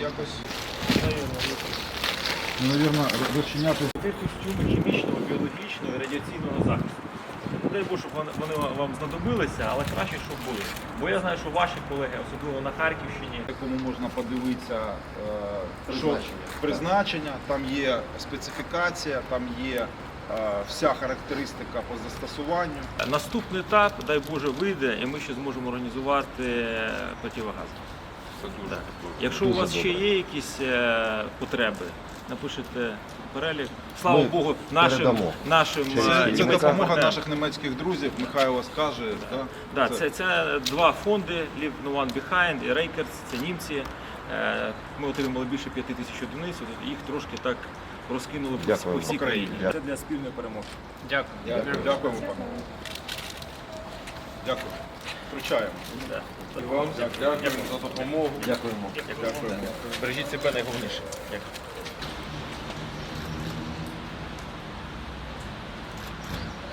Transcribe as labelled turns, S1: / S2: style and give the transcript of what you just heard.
S1: якось навірно, розчиняти.
S2: Це костюми хімічного, біологічного і радіаційного захисту. Дай Бог, щоб вони вам знадобилися, але краще, щоб були. Бо я знаю, що ваші колеги, особливо на Харківщині,
S1: Якому можна подивитися призначення, там є специфікація, там є вся характеристика по застосуванню.
S2: наступний етап, дай Боже, вийде, і ми ще зможемо організувати противогаз. Да. Якщо у вас ще є якісь потреби, напишете перелік. Слава Богу, нашим
S1: Це допомога наших німецьких друзів, Михайло скаже.
S2: Да, це два фонди, Leave No One Behind і Рейкерс, це німці. Ми отримали більше 5 тисяч одиниць, їх трошки так розкинули по всій країні. Це для спільної перемоги. Дякую.
S1: Дякуємо, пане. Дякую. Включаємо.
S2: Да.
S1: Дякуємо за допомогу.
S2: Дякуємо. Бережіть себе найголовніше. Дякую.